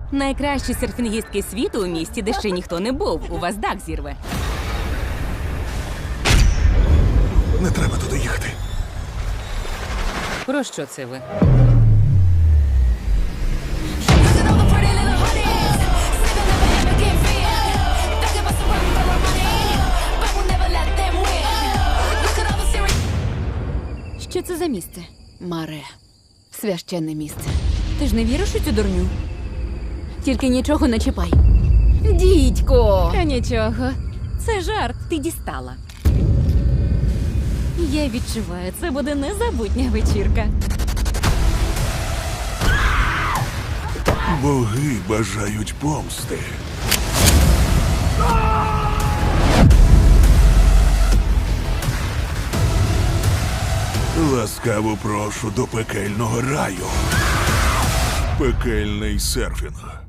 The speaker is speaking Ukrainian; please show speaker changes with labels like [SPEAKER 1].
[SPEAKER 1] Найкращі серфінгістки світу у місті, де ще ніхто не був. У вас дах зірве.
[SPEAKER 2] Не треба туди їхати.
[SPEAKER 1] Про що це ви?
[SPEAKER 3] Що це за місце? Маре. Священне місце. Ти ж не віриш у цю дурню? Тільки нічого не чіпай. Дідько!
[SPEAKER 1] Та нічого. Це жарт. Ти дістала. Я відчуваю, це буде незабутня вечірка.
[SPEAKER 2] Боги бажають помсти. Ласкаво прошу до пекельного раю. Пекельний серфінг.